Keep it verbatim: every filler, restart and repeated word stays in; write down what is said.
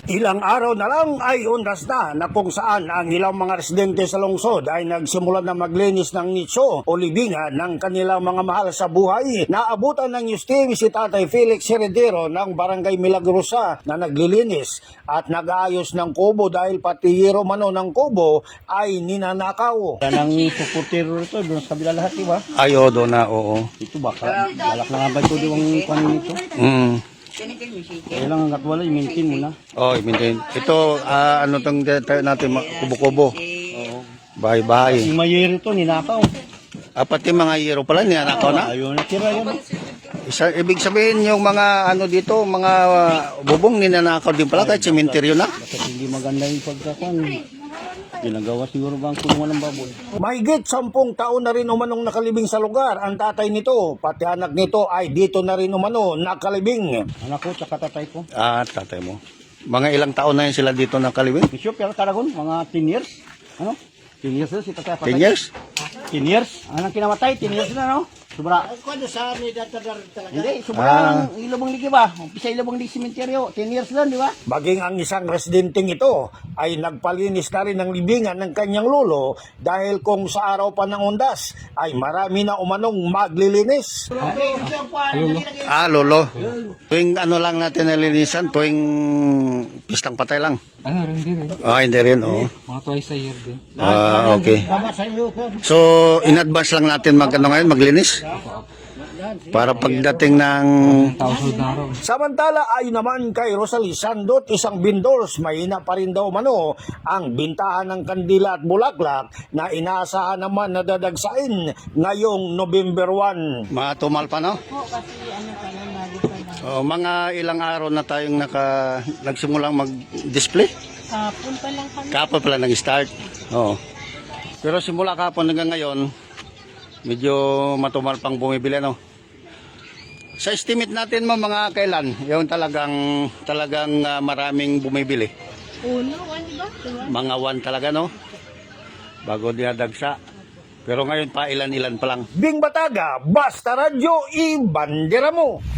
Ilang araw na lang ay undas na na kung saan ang ilang mga residente sa lungsod ay nagsimula na maglinis ng nicho o libingan ng kanilang mga mahal sa buhay. Naabutan ng news team si Tatay Felix Heredero ng Barangay Milagrosa na naglilinis at nag-aayos ng kubo dahil pati hero mano ng kubo ay ninanakaw. Yan ang supportero ito, doon sa kabila lahat, di ba? Ay, o, doon na, oo. Ito baka, balak na nga ba ito diwang panin ito? Mm. Kailangan hanggat wala, i-maintain mo na. Oh, i-maintain. Ito, ah, ano tong tayo natin, ma- kubo-kubo. Oo. Bahay-bahay. Si Mayer ito, ninakaw. Ah, pati mga hero pala, ninanakaw na. Ayaw na tira yan. Isa, ibig sabihin yung mga ano dito, mga uh, bubong ninanakaw din pala kahit sementeryo na. Bakit hindi maganda yung pagkakan? Ginagawa siguro ba ang kulungan ng baboy? Mahigit sampung taon na rin umanong nakalibing sa lugar ang tatay nito. Pati anak nito ay dito na rin umano nakalibing. Anak ko, tsaka tatay ko. Ah, tatay mo. Mga ilang taon na yun sila dito nakalibing? Misyo, pero karagon, mga ten years. Ano? ten years na si tatay patay. ten years? ten years? Anong kinamatay? ten years na, no? Sobra. Hindi, sobra Ah. ang ilabang ligi ba? Umpisa ilabang ligi sementeryo. ten years lang, di ba? Maging ang isang residenteng ito ay nagpalinis na rin ng libingan ng kanyang lolo dahil kung sa araw pa ng undas ay marami na umanong maglilinis. Ah, lolo. Tuwing ano lang natin nalinisan, tuwing pistang patay lang. Ano, hindi rin. Ah, hindi rin, oo. Mga twice a year din. Ah, okay. So, in advance lang natin mag, ano ngayon, maglinis? Para pagdating ng... Thousand na araw. Samantala ay naman kay Rosalie Sandot, isang vendors, mahina pa rin daw mano ang bintahan ng kandila at bulaklak na inaasahan naman na dadagsain ngayong November first. Matumal pa, no? Po, kasi ano pa lang, bago pa lang. Oh, mga ilang araw na tayong naka, nagsimulang mag-display. Kapon pa lang kami. Kapon pala nag-start. Oo. Pero simula kapon hanggang ngayon, medyo matumal pang bumibili, no? Sa estimate natin mo mga kailan, yung talagang talagang ah, maraming bumibili. Uno, one ba? Diba? Mga one talaga, no? Bago dinadagsa. Pero ngayon pa ilan-ilan pa lang. Bing Bataga, Basta Radyo, i-bandera mo!